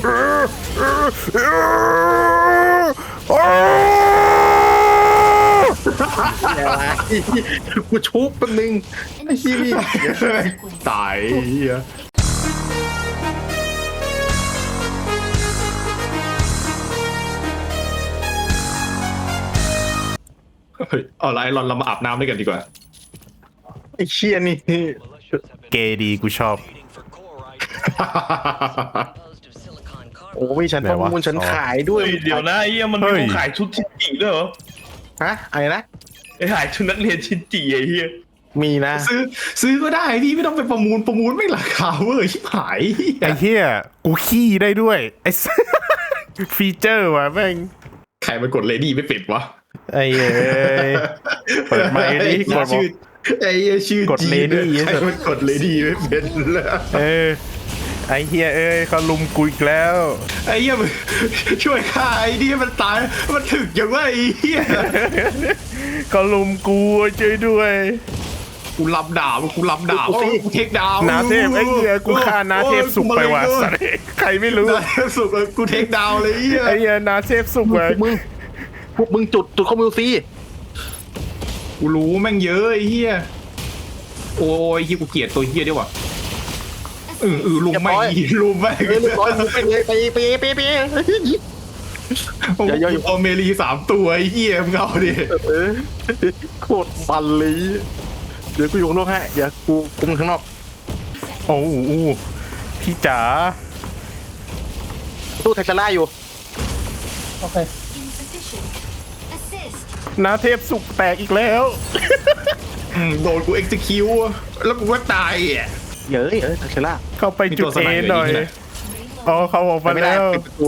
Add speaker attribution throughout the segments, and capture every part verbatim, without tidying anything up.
Speaker 1: อะไรกูชุบแป๊บนึงไอ้ที่นี่ตายเฮียเฮ้ยเอาไรเราเรามาอาบน้ำด้วยกันดีกว่าไอ้เชี่ยนี่
Speaker 2: เกย์ดีกูชอบ
Speaker 1: โอ้ยฉันประมูลฉันขายด้วย
Speaker 3: เดี๋ยวนะไอ้เหี้ยมันมีคนขายชุดชินจิด้วยเหรอ
Speaker 1: ฮะอะไรนะ
Speaker 3: ไอ้ขายชุดนักเรียนชินจิไอ้เหี้ย
Speaker 1: มีนะ
Speaker 4: ซื้อซื้อก็ได้พี่ไม่ต้องไปประมูลประมูลไม่ราคาเว้ยชิบหาย
Speaker 2: ไอ้เหี้ยกูขี้ได้ด้วยไอ้ ฟีเจอร์ว่ะแม่ง
Speaker 4: ใครมันกดเลดี้ไม่ปิดวะ
Speaker 2: ไอ้เอ้ยเปิดไมค์ดิกดชื่อ
Speaker 4: ไอ้ชื่อก
Speaker 2: ดเลดี้
Speaker 4: ใครมันกดเลดี้ไม่เป็นเลย
Speaker 2: เออไอ้เฮียเอ้ยเขาลุมกูอีกแล้ว
Speaker 4: ไอ้เหี้ยช่วยฆ่าไอ้นี่มันตายมันถึกอย่างว่าไอ้เหี้ย
Speaker 2: เขาลุมกูช่วยด้วย
Speaker 4: กูรับดาบกูรับดาบกูเทคดาว
Speaker 2: นาเทพไอ้เหี้ยกูฆ่านาเทพสุกไปว่ะสัตว์ใครไม่รู้
Speaker 4: นาเทพสุกกูเทคดาวเลย
Speaker 2: ไอ้เหี้ยนาเทพสุกว่ะ
Speaker 1: มึงพวกมึงจุดจุดข้อมือซี
Speaker 4: กูรู้แม่งเยอะไอ้เหี้ยโอ้ยเหี้ยกูเกลียดตัวเหี้ยด้วยว่ะเออเออลุมไม่ลุมไม่
Speaker 1: เรียบร้อยมึงไปเลยไปไปไปไป
Speaker 4: อย่าอย่าเอาเมลีสามตัวไอ้เหี้ยมึงเอาดิ
Speaker 1: โคตรมันเลยเดี๋ยวกูอยู่ข้างนอกฮะเดี๋ยวกูกูข้างนอก
Speaker 2: โอ้โหพี่จ๋า
Speaker 1: ตู้ไทซาร่าอยู่
Speaker 4: โอเค
Speaker 2: นาเทพสุกแตกอีกแล้ว
Speaker 4: โดนกูเอ็กซ์คิวแล้วกูก็ตายอ่ะ
Speaker 1: เยอะเออไทซาร่า
Speaker 2: เข้าไปจุดเอหน่อยอ๋อเขาออกมาแล้ว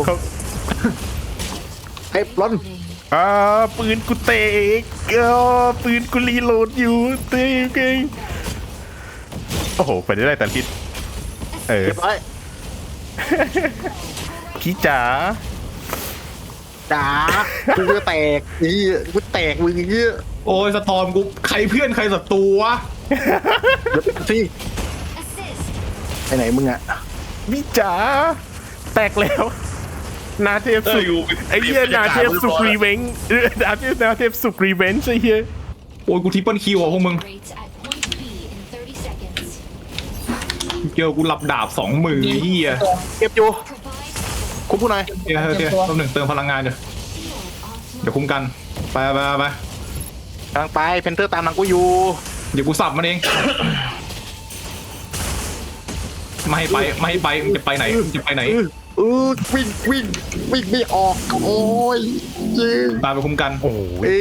Speaker 1: ไอ้ร้อน
Speaker 2: อ่าปืนกูเตะอ๋อปืนกูรีโหลดอยู่เตะเก่งโอ้โหไปได้แต่ทิศเออพี่จ๋า
Speaker 1: จ๋ากูจะแตกนี่กูแตกมึงอย่างเงี้ย
Speaker 4: โอ้ยสตอมกูใครเพื่อนใครศัตรูวะ
Speaker 1: เดี๋ยวสิไปไหนมึงอะ
Speaker 2: พี่จ๋าแตกแล้วนาเทพสุกไอ้เหี้ยนาเทพสุกรีเวนจ์นาเทพนาเทพสุกรีเวนจ์ไอ้เหี้ย
Speaker 4: โอ้ยกูทิปเปิลคิวอ่ะพวกมึงเจอกูหลับดาบสองมือเหี้ย
Speaker 1: เก็บอยู่คุ้มกูหน่อย
Speaker 4: เดี๋ยวเดี๋ยวตัวหนึ่งเติมพลังงานเดี๋ยวเดี๋ยวคุ้มกันไปไปไป
Speaker 1: กำลังไปเพนเทอร์ตามหลังกูอยู่
Speaker 4: เดี๋ยวกูสับมันเองไม่ไปไม่ไปมึงจะไปไหนมึงจะไปไหน
Speaker 1: เออวิ่งวิ่งวิ่งไม่ออกโอ้ยจริง
Speaker 4: ตามไปคุ้มกัน
Speaker 2: โอ้
Speaker 1: ย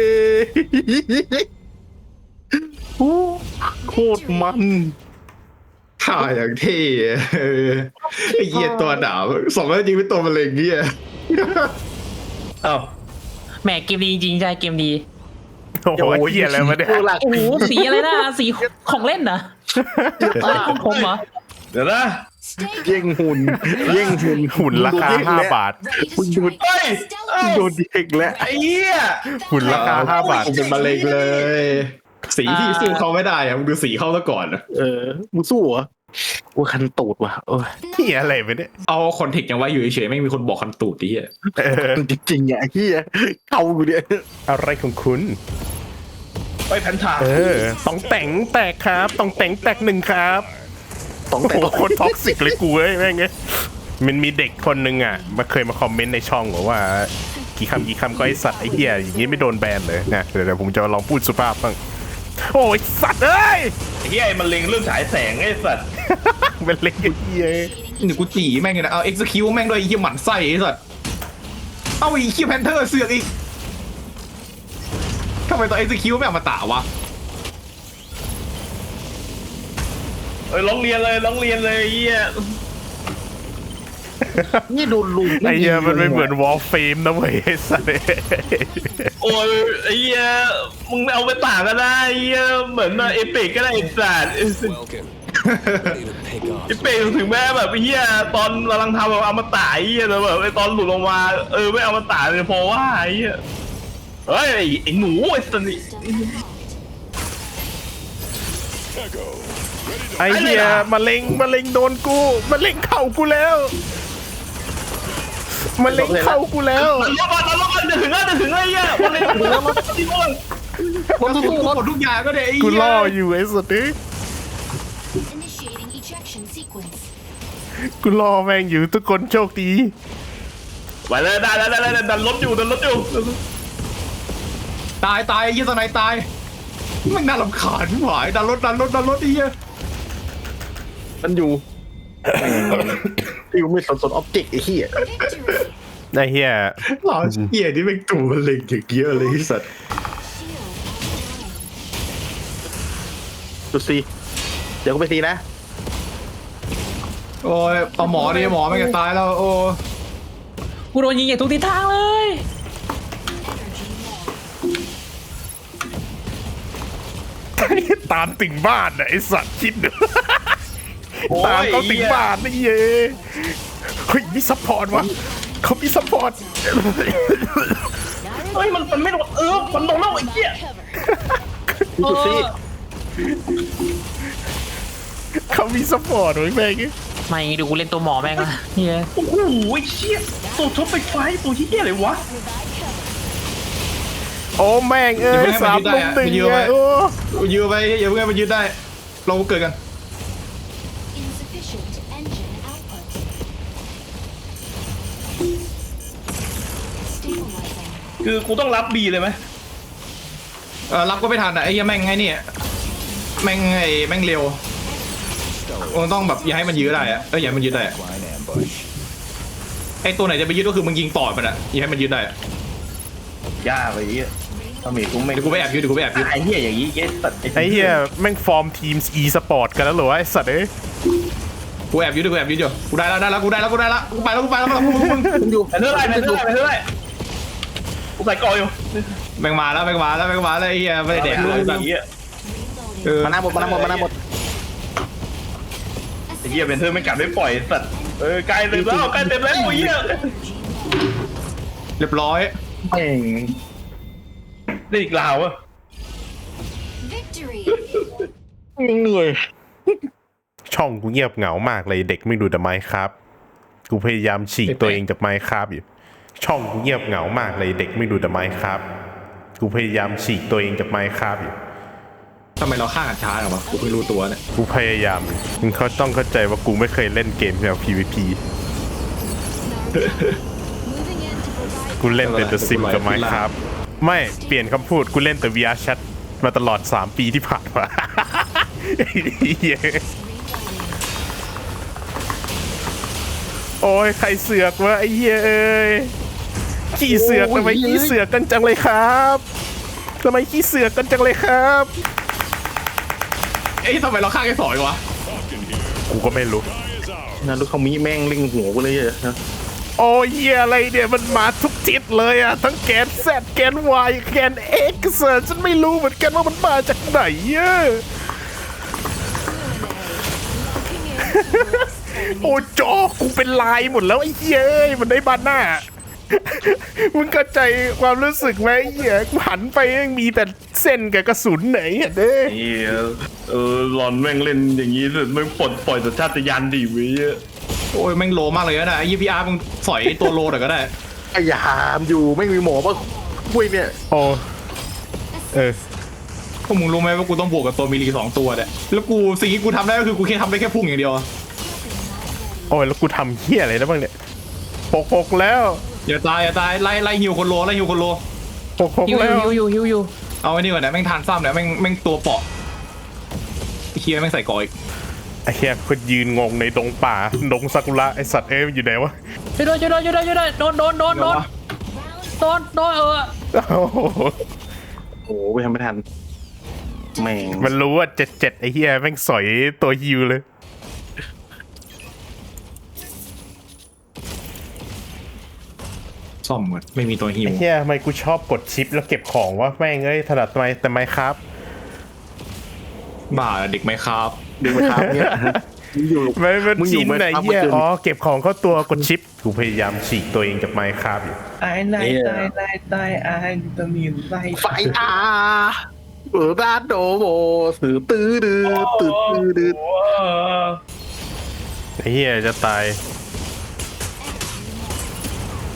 Speaker 1: โคตรมัน
Speaker 4: ข่าอย่างเท่ไอ้เหี้ยตัวดาวสองแล้วจริงเป็นตัวมะเร็งเหี้ย
Speaker 3: อ้าว
Speaker 5: แหมเกมดีจริงใช่เกมดี
Speaker 2: โอ้โหเหี้ยอะไรมาเนี่ย
Speaker 5: โอ้โหสีอะไรนะสีของเล่นนะของผมเหรอ
Speaker 3: เดี๋ยวนะ
Speaker 1: เย่งหุ่นเย่งหุ่น
Speaker 2: หุ่นราคาห้าบาท
Speaker 1: หุ่นดูด
Speaker 3: เฮ้ย
Speaker 1: โดนเด็กแล้ว
Speaker 3: ไอ้เหี้ย
Speaker 2: หุ่นราคาห้าบาท
Speaker 4: เป็นมะเร็งเลยสีที่สู้เขาไม่ได้อะมึงดูสีเขาซะก่อน
Speaker 1: เออมึงสู้เหรอกูคันตูดว่ะโอ้ย
Speaker 2: เหี้ยอะไรไปเนี่ย
Speaker 4: เอาคอนเทกต์ยังไว้อยู่เฉยๆไม่มีคนบอกคันตูดดิอ่ะ
Speaker 1: จริงๆอ่ะเหี้ยเข้ากูเนี่ย
Speaker 2: อะไรของคุณ
Speaker 3: ไปแผ่นถา
Speaker 2: เออต้องแต่งแตกครับต้องแต่งแตกหนึ่งครับ
Speaker 1: ต้องแต่ง
Speaker 2: คนท็อกซิกเลยกูเอ้ยแม่งเงี้ยมันมีเด็กคนนึงอ่ะมาเคยมาคอมเมนต์ในช่องบอกว่ากี่คำกี่คำก็ไอสัตว์ไอเหี้ยอย่างงี้ไม่โดนแบนเลยนะเดี๋ยวผมจะลองพูดสุภาพบ้างโอ้ยสัตว์เอ้ย
Speaker 3: ไอ้เหี้ยมันเล็งเรื่องฉายแสงไอ้สัตว์
Speaker 2: มันเล็งไอ้เหี้ย
Speaker 4: นี่กูจีแม่งเลยนะเอาเอ็กซ์คิวแม่งด้วยไอ้เหี้ยหมันไส้ไอ้สัตว์เอาไอ้เหี้ยแพนเทอร์เสือกอีกทำไมตัวเอ็กซ์คิวไม่เอามาตาวะ
Speaker 3: เอ้ยร้องเรียนเลยร้องเรียนเลยไอ้เหี้ย
Speaker 1: นี่โดนลุม
Speaker 2: ไอ้เหี้ยมันไม่เหมือนวอลเฟมนะเว้ยสัตว์
Speaker 3: โอ้ยไอ้เหี้ยมึงเอาไปต่างก็ได้ไอ้เหี้ยเหมือนเอเปกก็ได้ไอ้สัตว์เอเปกถึงแม้แบบไอ้เหี้ยตอนกำลังทำแบบเอามาตายไอ้เหี้ยแต่แบบไอ้ตอนหลุดลงมาเออไม่เอามาตายเลยเพราะว่าไอ้เหี้ยเฮ้ยไอ้หนูไอ้สัตว์
Speaker 2: ไอ้เหี้ยมะเร็งมะเร็งโดนกูมะเร็งเข่ากูแล้วมันเล็งเข้ากูแล้ว
Speaker 3: มันลบมันลบมันจะถึงแล้วจะถึงแล้วไอ้เหี้ยมันเลยถึงแล้วมันที่มัน
Speaker 4: ผมสู้หมดทุกอย่างก็ได้ไอ้
Speaker 2: กู
Speaker 4: เหี้ย
Speaker 2: ล่ออยู่ไอ้สัตว์นี่
Speaker 6: Initiating ejection sequence.
Speaker 2: กูล่อแม่งอยู่ทุกคนโชคดี
Speaker 3: ไปเลยได้ได้ได้ได้ดันรถอยู่ดันรถอยู่
Speaker 4: ตายตายไอ้เหี้ยสไนตายมันน่ารำคาญที่หวายดันรถดันรถดันรถไอ้เหี้ย
Speaker 1: มันอยู่ที่กูไม่สนสนออบเจกต์ไอ้เหี้ย
Speaker 6: Victory.
Speaker 2: ไอ้เหี้ย
Speaker 1: หล่อเหี้ยนี่เป็นตัวเล็งอย่างเยอะเลยที่สัตว์
Speaker 6: Shield online.
Speaker 1: ดูสิเดี๋ยวกูไปซีนะ
Speaker 4: โอ้ยเอาหมอดิหมอไม่งจะตายแล้วโอ้
Speaker 5: กูโดนยิงอย่างทุกทิศทางเลย
Speaker 6: Energy low.
Speaker 2: ตามถึงบ้านน่ะไอ้สัตว์คิดดู
Speaker 3: โอ้ย
Speaker 2: ตามเขาถึงบ้านนี่เย้เฮ้ยมีซัพพอร์ตวะเขามีซัพพอร์ต
Speaker 3: เฮ้ยมันมันไม่โดนเออมันโดนแล้วไอ้เหี้ย
Speaker 1: ดูสิ
Speaker 2: เขามีซัพพอร์ตไว้แม่ง
Speaker 5: ไม่ดูกูเล่นตัวหมอแม่งละเฮีย
Speaker 3: โอ้โหไอ้เหี้ยตัวชกไฟฟ้าตัวเหี้ยอะไรวะ
Speaker 2: โอ้แม่งเอ้ยสามลุมหนึ่งเนี่ยโอ้
Speaker 4: ยื้อไปอย่าเพิ่งให้มันยืดได้ เราเกิดกัน
Speaker 6: Insufficient engine output. Stabilizing.
Speaker 3: คือกูต้องรับบีเลยไหม
Speaker 4: เออรับก็ไม่ทันอ่ะไอ้เหี้ยแม่งไงเนี่ยแม่งไอ้แม่งเร็วมันต้องแบบอย่าให้มันยื้อได้อะเอออย่าให้มันยื้อได้อะไอ้ตัวไหนจะไปยืดก็คือมึงยิงต่อมันอ่ะอย่าให้มันยืดได้อะ
Speaker 3: ยากไปไอ้เหี้ยทำไมกูไม่
Speaker 4: เดี๋ยวกูไปแอบยืดเดี๋ยวกูไปแอบยืด
Speaker 3: ไอ้เหี้ยอย่างนี้ไอ้สัตว์
Speaker 2: ไอ้เหี้ยแม่งฟอร์มทีม e สปอร์ตกันแล้วเหรอวะไอ้สัตว์เอ้ย
Speaker 4: กูแอบยืดกูแอบยืดอยู่กูได้แล้วได้แล้วกูได้แล้วกูได้แล้วกูไปแล้วกูไปแล้วมึงมึง
Speaker 1: มันอยู่
Speaker 3: ไปเท่าไรไปเท่าไรไปเท่าไรกูใส่กออยู่
Speaker 4: แม่งมาแล้วแม่งมาแล้วแม่งมาแล้วไอ้เหี้ยไม่ได้แดกเลย
Speaker 3: ไอ้เหี้ย
Speaker 4: เออ
Speaker 1: มาหน้าหมดมาหน้าหมดมาหน้าหมด
Speaker 3: ไอ้เหี้ยเป็นเธอไม่กลับไม่ปล่อยสัตว์เออใกล้เต็มแล้วใกล้เต็มแล้วไอ้เหี้ย
Speaker 4: เรียบร้อย
Speaker 1: แม่ง
Speaker 3: ได้อีกลาวอะ
Speaker 6: Victory.
Speaker 1: เหนื่อย
Speaker 2: ช่องกูเงียบเหงามากเลยเด็กไม่ดูแต่ไมค์ครับกูพยายามฉีกตัวเองจากไมค์ครับอยู่ช่องกูเงียบเหงามากเลยเด็กไม่ดูแต่ไมค์ครับกูพยายามฉีกตัวเองจากไมค์ครับอยู่
Speaker 4: ทำไมเราฆ่ากันช้าเหรอวะกูไม่รู้ตัวเนี่ย
Speaker 2: กูพยายามอยู่มึงเขาต้องเข้าใจว่ากูไม่เคยเล่นเกมแนว พี วี พี
Speaker 6: Moving in to provide
Speaker 2: กูเล่นแต่ The Sim กับไมค์ครับไม่เปลี่ยนคำพูดกูเล่นแต่ วี อาร์ Chat มาตลอดสามปีที่ผ่านมา ไอ้เหี้ย โอ้ยใครเสือกวะไอ้เหี้ยเอ้ยขี้เสือกทำไมขี้เสือกกันจังเลยครับทำไมขี้เสือกกันจังเลยครับ
Speaker 4: เอ้ยทำไมเราฆ่าแค่สองวะ
Speaker 2: กูก็ไม่รู้
Speaker 1: งานลูกเขามีแม่งเล็งหัวกูเลยอะ
Speaker 2: โอ้ยเหี้ยอะไรเนี่ยมันมาทุกทิศเลยอะทั้งแกน Z แกน Y แกน X อะฉันไม่รู้เหมือนกันว่ามันมาจากไหนอะ โอ้จอกูเป็นลายหมดแล้วไอ้เหี้ยเอ้ยมันได้บานหน้า มึงเข้าใจความรู้สึกไหมไอ้เหี้ยกูหันไปยังมีแต่เส้นกับกระสุนไหนอ่ะเด้
Speaker 3: เหี้ยเออหลอนแม่งเล่นอย่างนี้เลยแม่งปลดปล่อยสัญชาตญาณดิเว้ย
Speaker 4: โอ้ยแม่งโลมากเลยนะไอ้ยี่พีอาร์มึงสอยตัวโลหน่อยก็ได้
Speaker 1: พยายามอยู่ไม่มีหมอป่ะคุยเนี่ย
Speaker 2: โอ้เออ
Speaker 4: พวกมึงรู้ไหมว่ากูต้องบวกกับตัวมิลลีสองตัวเนี่ยแล้วกูสิ่งที่กูทำได้ก็คือกูแค่ทำได้แค่พุ่งอย่างเดียว
Speaker 2: โอ้ยแล้วกูทำเหี้ยอะไรได้บ้างเนี่ยหกหกแล้ว
Speaker 4: อย่าตายอย่าตายไล่ไล่ฮิวคนโลไล่ฮิวคนโล
Speaker 2: หกหก
Speaker 5: ฮิว
Speaker 2: แล้ว
Speaker 5: ฮิวฮิวฮิวฮิว
Speaker 4: เอาไอ้นี่ก่อนนะแม่งทานซ้ำเนี่ยแม่งแม่งตัวเปาะไอ้เคียแม่งใส่กออีก
Speaker 2: ไอ้เหี้ยคนยืนงงในดงป่าดงซากุระไอสัตว์เอ้ยมันอยู่ไหนวะ
Speaker 5: ช่วยด้วยช่วยด้วยช่วยด้วยช่วยด้วยโดนโดนโดนโดนโดนโดนเออ
Speaker 2: โอ้โห
Speaker 1: โอ้โหไปทำไม่ทันแม่ง
Speaker 2: มันรู้ว่าเจ็ดเจ็ดไอ้เหี้ยแม่งสอยตัวฮิวเลย
Speaker 4: ซ่อมหมดไม่มีตัวฮิว
Speaker 2: ไอ้เหี้ยทำไมกูชอบกดชิปแล้วเก็บของวะแม่งเอ้ยถนัดทำไมแต่ไม่ครับ
Speaker 4: บ้าเด็กไหมครับ
Speaker 1: ดึงมาทับเนี่ยมึงอยู่
Speaker 2: ไม่เป็น
Speaker 1: มึงอยู่
Speaker 2: ชิน
Speaker 1: ไม่
Speaker 2: ไหน
Speaker 1: ทับ
Speaker 2: เหี้ย
Speaker 1: เมื่อคืน
Speaker 2: อ๋อเก็บของเข้าตัวกดชิปกูพยายามฉีกตัวเองจากไมค์ครับอยู่
Speaker 3: ตายตายตายตายตายไอ้วิตามินไส้
Speaker 1: ไฟอาเออด้านโดโบสือตื้อดื้อตื้อตื้อดื้อ
Speaker 2: ไอ้เหี้ยจะตาย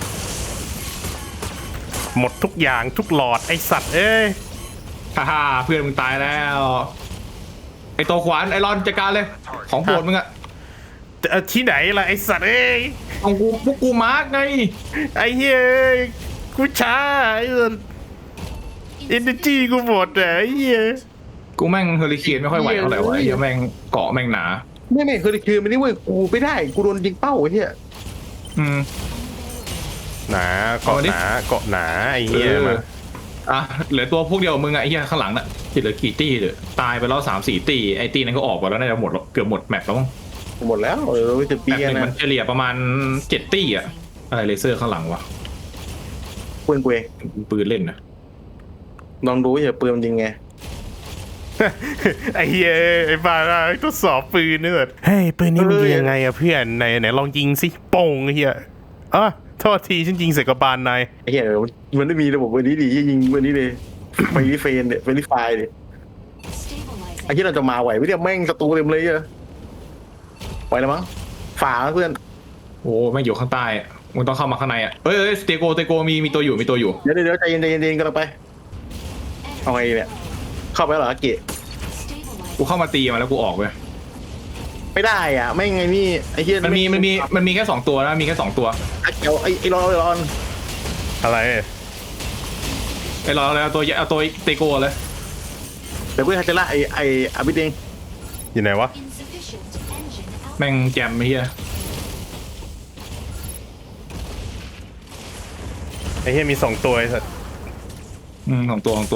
Speaker 2: หมดทุกอย่างทุกหลอดไอสัตว์เอ้ย
Speaker 4: ฮ่าฮ่าเพื่อนมึงตายแล้วไอตัวขวานไอรอนจัดการเลยของโปรดมึงอะ
Speaker 2: เอ่อที่ไหนล่ะไอสัตว์เอ้ย
Speaker 4: ของกูพวกกูมาร์กไง
Speaker 2: ไอเฮ้ยกูช้าไอ้สัตว์เอเนจีกูหมดอ่ะไอ้เหี้ย
Speaker 4: กูแม่งเฮอริเคนไม่ค่อยไหวเท่าไหร่วะไอ้เหี้ยแม่งเกาะแม่งหนา
Speaker 1: ไม่ไม่คือคือมันนี่เว้ยกูไม่ได้กูโดนยิงเป้าไอ้เหี้ย
Speaker 4: อืม
Speaker 2: หนาเกาะ
Speaker 4: เอาดิ
Speaker 2: หนาเกาะหนาไอ้เหี้ยมา
Speaker 4: อ่ะเหลือตัวพวกเดียวมึงอะไอ้เหี้ยข้างหลังน่ะเหลือกี่ตีเลยตายไปแล้วสามสี่ตีไอ้ตีนั้นก็ออกไปแล้วน่าจะหมดแล้วเกือบหมดแมปแล้วมั้ง
Speaker 1: หมดแล้วเออจะ
Speaker 4: แม
Speaker 1: ปี
Speaker 4: ปหนึ่ง
Speaker 1: นะ
Speaker 4: มันเฉลี่ยประมาณเจ็ดตีอะอะไรเลเซอร์ข้างหลังวะ
Speaker 1: ปืนกูเอง
Speaker 4: ปืนเล่นนะ
Speaker 1: ลองดูอย่าปืนมันยิงไง
Speaker 2: ไอ้เหี้ยไอ้บ้าทดสอบปืนเนี่ยเฮ้ยปืนนี่มันยิงยังไงอะเพื่อนไหนไหนลองยิงสิโป่งไอ้เหี้ยอ่ะโทษทีฉันยิงใส่กระบาลนาย
Speaker 1: ไอ้เหี้ยมันไม่มีระบบปืนนี้ดียิงปืนนี้เลยไฟรีเฟนเนี่ยไฟรีไฟเนี่ย
Speaker 6: Stabilizing.
Speaker 1: ไอ้ที่เราจะมาไหวไม่ได้แม่งศัตรูเต็มเลยอะไหวแล้วมั้งฝ่าเพื่อน
Speaker 4: โอ้แม่งอยู่ข้างใต้อะมึงต้องเข้ามาข้างในอะเอ้ยเอ้ยสเตโกสเตโกมีมีตัวอยู่มีตัวอยู่
Speaker 1: เดี๋ยวเดี๋ยวใจเย็นใจเย็นใจเย็นกันเราไปเอาไงเนี่ยเข้าไปแล้วเหรอเกะ
Speaker 6: Stabilizing.
Speaker 4: กูเข้ามาตีมาแล้วกูออกเว้ย
Speaker 1: ไม่ได้อ่ะไม่ไงนี่ไอ้เหี้ย
Speaker 4: มันมีมันมีมันมีแค่สองตัวนะมีแค่สองตัว
Speaker 1: ไอ้เกียวไอ้ไอ้รอนไอ้รอน
Speaker 2: อะไร
Speaker 4: ไอ้เราเอาตัวเอาตัวสเตโกเลย
Speaker 1: เดี๋ยวเพื่อนจะละไอ้ไอ้อาบิดเอง
Speaker 2: อยู่ไหนวะ
Speaker 6: Insufficient engine output.
Speaker 4: แม่งแจมไอ้เหี้ย
Speaker 2: ไอ้เหี้ยมีสองตัวไอ้สัตว์
Speaker 4: อืมของตัวของตัว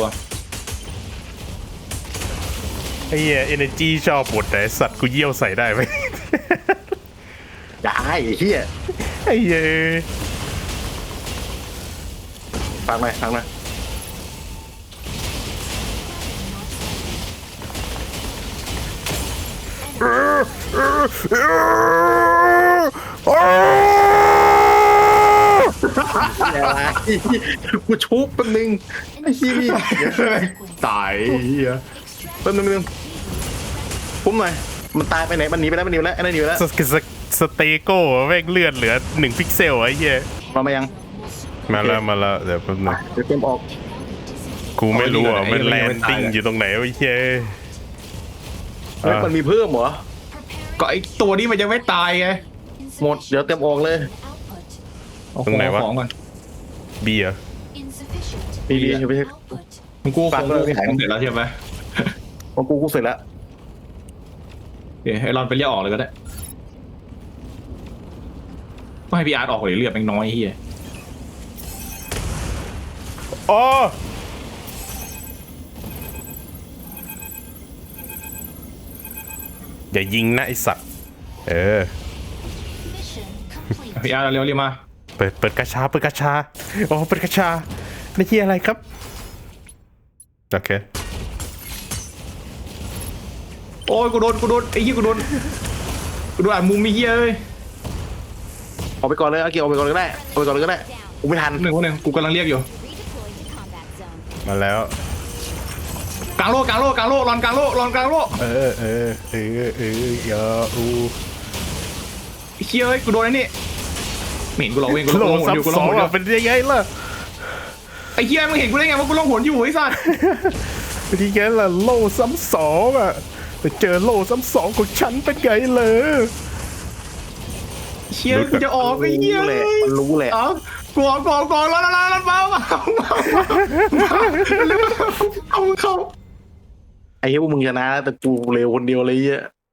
Speaker 2: ไอ้เหี้ยเอเนจีชอบหมดแต่ไอ้สัตว์กูเยี่ยวใส่ได้ไหม
Speaker 1: ได้ไอ้เหี้ย
Speaker 2: ไอ้เหี้ย
Speaker 1: ฟังหน่อยฟังหน่อย เดี๋ยวนะกูชุบแป๊บนึงไอ้เหี้ยนี่
Speaker 4: ตายไอ้เหี้ย
Speaker 1: แป๊บนึงแป๊บนึงพุ่มหน่อยมันตายไปไหนมันหนีไปแล้วมันหนีไปแล้วไอ้นั่นหนีไปแล้ว
Speaker 2: สสสเตโก้แม่งเลือดเหลือหนึ่งพิกเซลไอ้เหี้ย
Speaker 1: มามายัง
Speaker 2: มาแล้วมาแล้วเดี๋ยวแป๊บนึง
Speaker 1: เดี๋ยวเต็มออก
Speaker 2: กูไม่รู้อ่ะมันแลนดิ้งอยู่ตรงไหนวะไอ้เหี้ย
Speaker 1: เฮ้ยมันมีเพิ่มเหรอ
Speaker 4: ก็ไอ้ตัวนี้มันยังไม่ตายไง
Speaker 1: หมดเดี๋ยวเต็มออกเลย
Speaker 4: เอาของเอาของก่อน
Speaker 2: เบียร์
Speaker 1: ดีดีไม่ใช่
Speaker 4: มึงกู
Speaker 1: ฟั
Speaker 4: ของ ง
Speaker 1: เลย
Speaker 4: กูของเสร็จแล้วใช่ไหม
Speaker 1: ของกูกูเสร็จแล้ว
Speaker 4: เดี๋ยวให้รอนไปเรียกออกเลยก็ได้ก็ให้พี่อาร์ตออกเลยเลือดแม่งน้อยไอ้เหี้ย
Speaker 2: อ๋ออย่ายิงนะไอสัตว์เออ
Speaker 4: พี่อาร์ตเร็วๆเรียกมา
Speaker 2: เปิดเปิดกระชาเปิดกระชาโอ้เปิดกระชานี่ที่อะไรครับโอเค
Speaker 4: โอ้ยกูโดนกูโดนไอ้เหี้ยกูโดนกูโดนอ่านมุมมีเหี้ยเลย
Speaker 1: ออกไปก่อนเลยเอาเกี่ยวออกไปก่อนเลยก็ได้ออกไปก่อนเลยก็ได้กูไม่ทัน
Speaker 4: หนึ่งคนหนึ่งกูกำลังเรียกอยู่
Speaker 6: Redeploy to combat zone.
Speaker 2: มาแล้ว
Speaker 4: กลางโลกกลางโลกกลางโลกรอนกลางโลกรอนกลางโลก
Speaker 2: เออเออเออเออยาอู
Speaker 4: ไอ้เหี้ยเอ้ยกูโดนไอ้นี่ไม่เห็นกูหรอกเว้ยกู
Speaker 2: โล
Speaker 4: ลงหนอยู่กู
Speaker 2: ซ้ำ
Speaker 4: ล
Speaker 2: ส
Speaker 4: ง
Speaker 2: อง
Speaker 4: หนอยู่
Speaker 2: อ่ะเป็นยังไงล่ะ
Speaker 4: ไอ้เหี้ยมึงเห็นกูได้ไงว่ากูลงหนอยู่ไอ้สัส
Speaker 2: เป็นยังไงล่ะโลซ้ำสองอ่ะแต่เจอโลซ้ำสองของฉันเป็นไงเลย
Speaker 4: เชี่ยกูจะออกไอ้เหี้ย
Speaker 1: รู้แหละมันรู้แหละ
Speaker 4: เอ้ากลัวกลัวกลัวรอนรอนรอนเบาเบาเอามึงเข้า
Speaker 1: ไอ้เหี้ยพวกมึงชนะแต่กูเร็วคนเดียวเลยเหี้ย